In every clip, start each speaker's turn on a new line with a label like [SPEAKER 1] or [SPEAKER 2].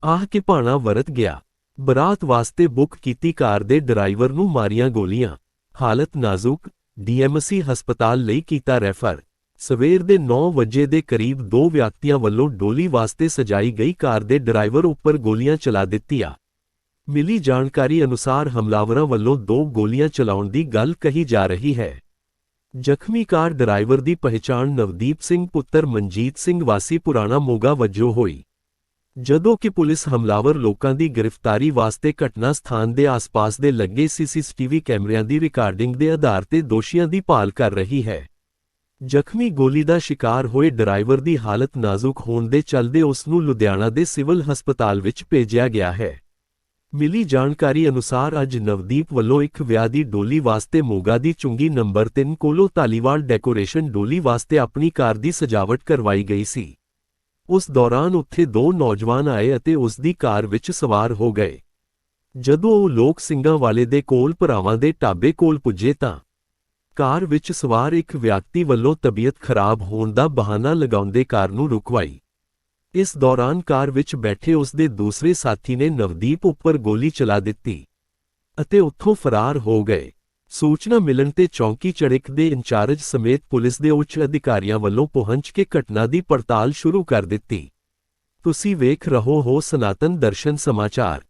[SPEAKER 1] ਆਹ ਕਿ ਭਾਣਾ ਵਰਤ ਗਿਆ। ਬਰਾਤ ਵਾਸਤੇ ਬੁੱਕ ਕੀਤੀ ਕਾਰ ਦੇ ਡਰਾਈਵਰ ਨੂੰ ਮਾਰੀਆਂ ਗੋਲੀਆਂ। ਹਾਲਤ ਨਾਜ਼ੁਕ, ਡੀਐਮਸੀ ਹਸਪਤਾਲ ਲਈ ਕੀਤਾ ਰੈਫਰ। ਸਵੇਰ ਦੇ 9 ਵਜੇ ਦੇ ਕਰੀਬ 2 ਵਿਅਕਤੀਆਂ ਵੱਲੋਂ ਡੋਲੀ ਵਾਸਤੇ ਸਜਾਈ ਗਈ ਕਾਰ ਦੇ ਡਰਾਈਵਰ ਉੱਪਰ ਗੋਲੀਆਂ ਚਲਾ ਦਿੱਤੀਆਂ। ਮਿਲੀ ਜਾਣਕਾਰੀ ਅਨੁਸਾਰ ਹਮਲਾਵਰਾਂ ਵੱਲੋਂ 2 ਗੋਲੀਆਂ ਚਲਾਉਣ ਦੀ ਗੱਲ ਕਹੀ ਜਾ ਰਹੀ ਹੈ। ਜ਼ਖਮੀ ਕਾਰ ਡਰਾਈਵਰ ਦੀ ਪਹਿਚਾਣ ਨਵਦੀਪ ਸਿੰਘ ਪੁੱਤਰ ਮਨਜੀਤ ਸਿੰਘ ਵਾਸੀ ਪੁਰਾਣਾ ਮੋਗਾ ਵਜੋਂ ਹੋਈ, ਜਦੋਂ ਕਿ ਪੁਲਿਸ ਹਮਲਾਵਰ ਲੋਕਾਂ ਦੀ ਗ੍ਰਿਫਤਾਰੀ ਵਾਸਤੇ ਘਟਨਾ ਸਥਾਨ ਦੇ ਆਸ-ਪਾਸ ਦੇ ਲੱਗੇ ਸੀਸੀਟੀਵੀ ਕੈਮਰਿਆਂ ਦੀ ਰਿਕਾਰਡਿੰਗ ਦੇ ਆਧਾਰ ਤੇ ਦੋਸ਼ੀਆਂ ਦੀ ਭਾਲ ਕਰ ਰਹੀ ਹੈ। ਜ਼ਖਮੀ ਗੋਲੀ ਦਾ ਸ਼ਿਕਾਰ ਹੋਏ ਡਰਾਈਵਰ ਦੀ ਹਾਲਤ ਨਾਜ਼ੁਕ ਹੋਣ ਦੇ ਚੱਲਦੇ ਉਸ ਨੂੰ ਲੁਧਿਆਣਾ ਦੇ ਸਿਵਲ ਹਸਪਤਾਲ ਵਿੱਚ ਭੇਜਿਆ ਗਿਆ ਹੈ। ਮਿਲੀ ਜਾਣਕਾਰੀ ਅਨੁਸਾਰ ਅੱਜ ਨਵਦੀਪ ਵੱਲੋਂ ਇੱਕ ਵਿਆਹ ਦੀ ਡੋਲੀ ਵਾਸਤੇ ਮੋਗਾ ਦੀ ਚੁੰਗੀ ਨੰਬਰ 3 ਕੋਲੋਂ ਧਾਲੀਵਾਲ ਡੈਕੋਰੇਸ਼ਨ ਡੋਲੀ ਵਾਸਤੇ ਆਪਣੀ ਕਾਰ ਦੀ ਸਜਾਵਟ ਕਰਵਾਈ ਗਈ ਸੀ। ਉਸ ਦੌਰਾਨ ਉੱਥੇ 2 ਨੌਜਵਾਨ ਆਏ ਅਤੇ ਉਸ ਦੀ ਕਾਰ ਵਿੱਚ ਸਵਾਰ ਹੋ ਗਏ। ਜਦੋਂ ਉਹ ਲੋਕ ਸਿੰਘਾਂ ਵਾਲੇ ਦੇ ਕੋਲ ਭਰਾਵਾਂ ਦੇ ਢਾਬੇ ਕੋਲ ਪੁੱਜੇ ਤਾਂ ਕਾਰ ਵਿੱਚ ਸਵਾਰ ਇੱਕ ਵਿਅਕਤੀ ਵੱਲੋਂ ਤਬੀਅਤ ਖਰਾਬ ਹੋਣ ਦਾ ਬਹਾਨਾ ਲਗਾਉਂਦੇ ਕਾਰ ਨੂੰ ਰੁਕਵਾਈ। ਇਸ ਦੌਰਾਨ ਕਾਰ ਵਿੱਚ ਬੈਠੇ ਉਸ ਦੇ ਦੂਸਰੇ ਸਾਥੀ ਨੇ ਨਵਦੀਪ ਉੱਪਰ ਗੋਲੀ ਚਲਾ ਦਿੱਤੀ ਅਤੇ ਉੱਥੋਂ ਫਰਾਰ ਹੋ ਗਏ। ਸੂਚਨਾ ਮਿਲਣ ਤੇ ਚੌਂਕੀ ਚੜਿਕ ਦੇ ਇੰਚਾਰਜ ਸਮੇਤ ਪੁਲਿਸ ਦੇ ਉੱਚ ਅਧਿਕਾਰੀਆਂ ਵੱਲੋਂ ਪਹੁੰਚ ਕੇ ਘਟਨਾ ਦੀ ਪੜਤਾਲ ਸ਼ੁਰੂ ਕਰ ਦਿੱਤੀ। ਤੁਸੀਂ ਵੇਖ ਰਹੇ ਹੋ ਸਨਾਤਨ ਦਰਸ਼ਨ ਸਮਾਚਾਰ।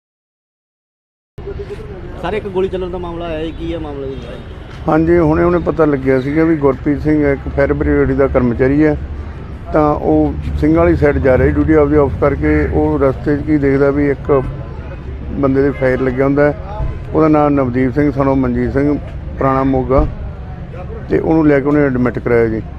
[SPEAKER 2] ਸਾਰੇ ਇੱਕ ਗੋਲੀ ਚੱਲਣ ਦਾ ਮਾਮਲਾ ਆਇਆ ਕੀ ਹੈ ਮਾਮਲਾ ਜੀ?
[SPEAKER 3] ਹਾਂਜੀ, ਹੁਣੇ ਪਤਾ ਲੱਗਿਆ ਸੀਗਾ ਵੀ ਗੁਰਪ੍ਰੀਤ ਸਿੰਘ ਇੱਕ ਫਾਇਰ ਬ੍ਰਿਗੇਡ ਦਾ ਕਰਮਚਾਰੀ ਹੈ, ਤਾਂ ਉਹ ਸਿੰਘਾਂ ਵਾਲੀ ਸਾਈਡ ਜਾ ਰਿਹਾ ਡਿਊਟੀ ਆਪਦੀ ਆਫ ਕਰਕੇ। ਉਹ ਰਸਤੇ 'ਚ ਕੀ ਦੇਖਦਾ ਵੀ ਇੱਕ ਬੰਦੇ ਦੇ ਫਾਇਰ ਲੱਗਿਆ ਹੁੰਦਾ। ਉਹਦਾ ਨਾਮ ਨਵਦੀਪ ਸਿੰਘ ਸਨੋ ਮਨਜੀਤ ਸਿੰਘ ਪੁਰਾਣਾ ਮੋਗਾ, ਤੇ ਉਹਨੂੰ ਲੈ ਕੇ ਉਹਨੇ ਐਡਮਿਟ ਕਰਾਇਆ ਜੀ।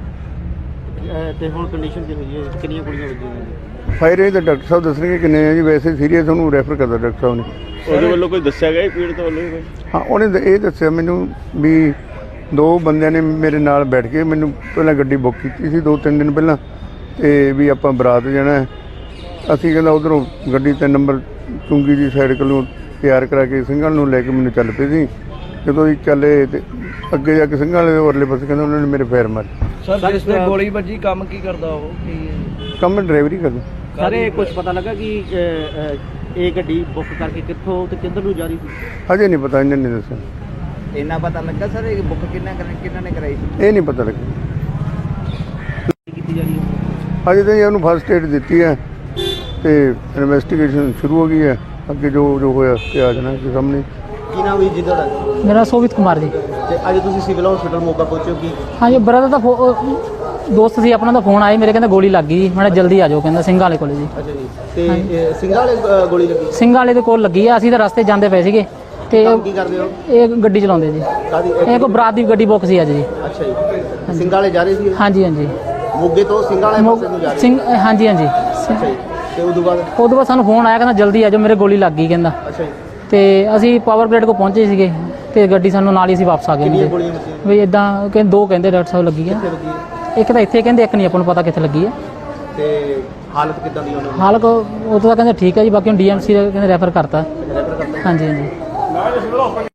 [SPEAKER 2] ਤੇ ਹੁਣ ਕੰਡੀਸ਼ਨ ਕੀ ਹੋਈ ਹੈ? ਕਿੰਨੀਆਂ ਗੋਲੀਆਂ ਵੱਜੀਆਂ?
[SPEAKER 3] ਫਾਇਰ ਇਹ ਤਾਂ ਡਾਕਟਰ ਸਾਹਿਬ ਦੱਸਣਗੇ ਕਿੰਨੇ ਆ ਜੀ। ਵੈਸੇ ਸੀਰੀਅਸ ਉਹਨੂੰ ਰੈਫਰ ਕਰਦਾ ਡਾਕਟਰ ਸਾਹਿਬ ਨੇ।
[SPEAKER 2] ਉਹਦੇ ਵੱਲੋਂ ਕੋਈ ਦੱਸਿਆ ਗਿਆ ਪੀੜਤ ਵੱਲੋਂ?
[SPEAKER 3] ਹਾਂ, ਉਹਨੇ ਇਹ ਦੱਸਿਆ ਮੈਨੂੰ ਵੀ 2 ਬੰਦਿਆਂ ਨੇ ਮੇਰੇ ਨਾਲ ਬੈਠ ਕੇ ਮੈਨੂੰ ਪਹਿਲਾਂ ਗੱਡੀ ਬੁੱਕ ਕੀਤੀ ਸੀ 2-3 ਦਿਨ ਪਹਿਲਾਂ, ਤੇ ਵੀ ਆਪਾਂ ਬਰਾਤ ਜਾਣਾ। ਅਸੀਂ ਕਹਿੰਦਾ ਉੱਧਰੋਂ ਗੱਡੀ 3 ਨੰਬਰ ਚੁੰਗੀ ਦੀ ਸਾਈਡ ਕੋਲੋਂ ਤਿਆਰ ਕਰਾ ਕੇ ਸਿੰਘਾਂ ਨੂੰ ਲੈ ਕੇ ਮੈਨੂੰ ਚੱਲ ਪਏ ਸੀ। ਜਦੋਂ ਅਸੀਂ ਚੱਲੇ ਤੇ ਅੱਗੇ ਜਾ ਕੇ ਸਿੰਘਾਂ ਵਾਲੇ ਉਰਲੇ ਪਾਸੇ ਕਹਿੰਦਾ ਉਹਨਾਂ ਨੇ ਮੇਰੇ ਫੇਰ ਮਾਰੇ।
[SPEAKER 4] ਸਰ ਜਿਸ ਤੇ ਗੋਲੀ ਵੱਜੀ ਕੰਮ ਕੀ ਕਰਦਾ ਉਹ?
[SPEAKER 3] ਕੰਮ ਡਰਾਈਵਰੀ ਕਰਦਾ।
[SPEAKER 2] ਸਾਰੇ ਕੁਝ ਪਤਾ ਲੱਗਾ ਕਿ ਇਹ ਗੱਡੀ ਬੁੱਕ ਕਰਕੇ ਕਿੱਥੋਂ ਤੇ ਕਿੱਧਰ ਨੂੰ ਜਾ ਰਹੀ ਸੀ?
[SPEAKER 3] ਹਜੇ ਨਹੀਂ ਪਤਾ, ਇਹਨਾਂ ਨੇ ਦੱਸਿਆ।
[SPEAKER 4] ਇੰਨਾ ਪਤਾ ਲੱਗਾ ਸਰ ਇਹ ਬੁੱਕ ਕਿੰਨਾ ਨੇ ਕਰਾਈ ਸੀ?
[SPEAKER 3] ਇਹ ਨਹੀਂ ਪਤਾ ਲੱਗਿਆ।
[SPEAKER 2] ਕੀਤੀ ਜਾ ਰਹੀ ਹੈ
[SPEAKER 3] ਹਜੇ ਤਾਂ ਉਹਨੂੰ ਫਸਟ ਏਡ ਦਿੱਤੀ ਹੈ ਤੇ ਇਨਵੈਸਟੀਗੇਸ਼ਨ ਸ਼ੁਰੂ ਹੋ ਗਈ ਹੈ। ਅੱਗੇ ਜੋ ਹੋਇਆ ਤੇ ਆ ਜਾਣਾ ਕਿ ਸਾਹਮਣੇ।
[SPEAKER 2] ਕੀ ਨਾਮ ਹੈ ਜੀ ਤੁਹਾਡਾ?
[SPEAKER 5] मेरा सोवित कुमार जी।
[SPEAKER 2] ਤੇ ਅੱਜ ਤੁਸੀਂ ਸਿਵਲ ਹਸਪੀਟਲ ਮੋਗਾ ਪਹੁੰਚੇ ਕੀ?
[SPEAKER 5] हाँ जी, ब्रदर का दोस्त सी अपना ਦਾ ਫੋਨ ਆਇਆ ਮੇਰੇ, ਕਹਿੰਦਾ ਗੋਲੀ ਲੱਗ ਗਈ। ਮੈਂ ਜਲਦੀ ਆ ਜਾਓ, ਕਹਿੰਦਾ ਸਿੰਘਾਂ ਵਾਲੇ ਕੋਲ ਜੀ।
[SPEAKER 2] ਅੱਛਾ ਜੀ, ਤੇ ਸਿੰਘਾਂ ਵਾਲੇ ਗੋਲੀ ਲੱਗੀ?
[SPEAKER 5] ਸਿੰਘਾਂ ਵਾਲੇ ਦੇ ਕੋਲ ਲੱਗੀ ਆ। ਅਸੀਂ ਤਾਂ ਰਸਤੇ ਜਾਂਦੇ ਪਏ ਸੀਗੇ ਤੇ
[SPEAKER 2] ਕੀ ਕਰਦੇ ਹੋ?
[SPEAKER 5] ਇਹ ਗੱਡੀ ਚਲਾਉਂਦੇ ਜੀ।
[SPEAKER 2] ਕਾਦੀ?
[SPEAKER 5] ਇਹ ਕੋਈ ਬਰਾਤ ਦੀ ਗੱਡੀ ਬੁੱਕ ਸੀ ਅੱਜ ਜੀ।
[SPEAKER 2] ਅੱਛਾ ਜੀ, ਸਿੰਘਾਂ ਵਾਲੇ ਜਾ ਰਹੇ ਸੀ?
[SPEAKER 5] ਹਾਂਜੀ ਹਾਂਜੀ,
[SPEAKER 2] ਮੋਗੇ ਤੋਂ ਸਿੰਘਾਂ ਵਾਲੇ ਪਾਸੇ ਨੂੰ ਜਾ ਰਹੇ
[SPEAKER 5] ਸਿੰਘ ਹਾਂਜੀ ਹਾਂਜੀ।
[SPEAKER 2] ਅੱਛਾ ਜੀ, ਤੇ ਉਦੋਂ ਬਾਅਦ
[SPEAKER 5] ਸਾਨੂੰ ਫੋਨ ਆਇਆ, ਕਹਿੰਦਾ ਜਲਦੀ ਆ ਜਾਓ, ਮੇਰੇ ਗੋਲੀ ਲੱਗ ਗਈ ਕਹਿੰਦਾ।
[SPEAKER 2] ਅੱਛਾ ਜੀ,
[SPEAKER 5] ਤੇ ਅਸੀਂ ਪਾਵਰ ਗ੍ਰਿਡ ਕੋ ਪਹੁੰਚੇ ਸੀਗੇ ਤੇ ਗੱਡੀ ਸਾਨੂੰ ਨਾਲ ਹੀ ਅਸੀਂ ਵਾਪਸ ਆ ਗਏ।
[SPEAKER 2] ਕਿੰਨੀਆਂ ਗੋਲੀਆਂ ਵੱਜੀਆਂ?
[SPEAKER 5] ਵੀ ਇਦਾਂ ਕਹਿੰਦੇ 2 ਕਹਿੰਦੇ ਡਾਕਟਰ ਸਾਹਿਬ ਲੱਗੀ ਆ।
[SPEAKER 2] ਕਿੱਥੇ ਲੱਗੀ ਹੈ?
[SPEAKER 5] ਇੱਕ ਤਾਂ ਇੱਥੇ ਕਹਿੰਦੇ, ਇੱਕ ਨਹੀਂ ਆਪਾਂ ਨੂੰ ਪਤਾ ਕਿੱਥੇ ਲੱਗੀ ਆ।
[SPEAKER 2] ਤੇ ਹਾਲਤ ਕਿੱਦਾਂ ਦੀ ਉਹਨਾਂ ਦੀ?
[SPEAKER 5] ਹਾਲਤ ਉਹ ਤਾਂ ਕਹਿੰਦੇ ਠੀਕ ਹੈ ਜੀ, ਬਾਕੀ ਹੁਣ ਡੀਐਮਸੀ ਕਹਿੰਦੇ ਰੈਫਰ ਕਰਤਾ। ਹਾਂਜੀ ਹਾਂਜੀ।